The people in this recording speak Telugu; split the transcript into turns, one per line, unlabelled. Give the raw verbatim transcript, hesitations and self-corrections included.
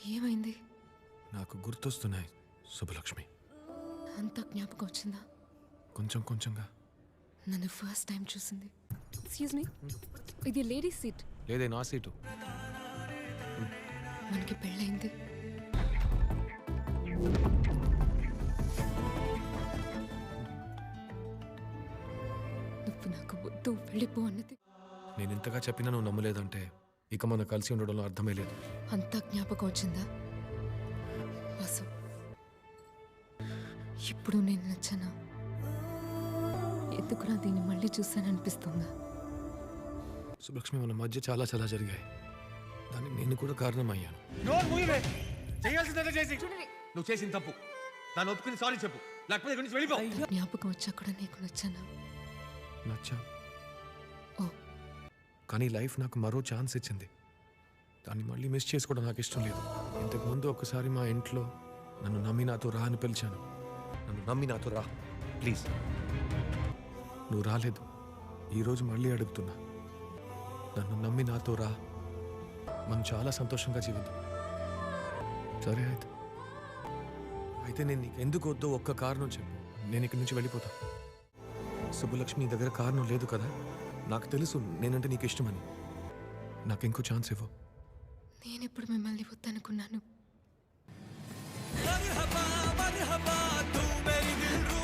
ఏమైంది?
నాకు గుర్తొస్తున్నాయి శుభలక్ష్మి.
అంత జ్ఞాపకం వచ్చిందా?
కొంచెం కొంచెంగా.
నన్ను ఫస్ట్ టైం చూసింది. ఎక్స్క్యూజ్ మీ, ఇది లేడీస్ సీట్.
లేదే, నా సీటు.
మనకి పెళ్ళైంది. నువ్వు నాకు వద్దు, వెళ్ళిపో అన్నది.
నేను ఇంతగా చెప్పినా నువ్వు నమ్మలేదంటే ఇక మనం కలిసి ఉండడంలో అర్థమే లేదు.
అంత జ్ఞాపకం వచ్చిందా వాసు? ఇప్పుడు నేను నచ్చనా? ఎందుకురా దీన్ని మళ్ళీ చూశాననిపిస్తుందా?
సుబ్బలక్ష్మి, మన మధ్య చాలా చాలా జరిగాయి. దానికి నేను కూడా కారణమయ్యాను.
నువ్వు చేసిన తప్పు దాన్ని ఒప్పుకుని సారీ చెప్పు, లేకపోతే ఇక్కడి నుంచి వెళ్ళిపో.
జ్ఞాపకం వచ్చా కూడా నీకు నచ్చనా?
నచ్చా.
ఓ,
కానీ లైఫ్ నాకు మరో ఛాన్స్ ఇచ్చింది. దాన్ని మళ్ళీ మిస్ చేసుకోవడం నాకు ఇష్టం లేదు. ఇంతకు ముందు ఒకసారి మా ఇంట్లో నన్ను నమ్మి నాతో రా అని పిలిచాను. నన్ను నమ్మి నాతో రా ప్లీజ్. నువ్వు రాలేదు. ఈరోజు మళ్ళీ అడుగుతున్నా, నన్ను నమ్మి నాతో రా. మనం చాలా సంతోషంగా జీవిద్దాం. సరే అయితే అయితే నేను నీకు ఎందుకు వద్దో ఒక్క కారణం చెప్పు, నేను ఇక్కడి నుంచి వెళ్ళిపోతా. సుబ్బలక్ష్మి దగ్గర కారణం లేదు కదా? నాకు తెలుసు నేనంటే నీకు ఇష్టమని. నాకు ఇంకో ఛాన్స్ ఇవ్వు.
నేనెప్పుడు మిమ్మల్ని వద్దనుకున్నాను?
मरहबा मरहबा तू मेरी दिल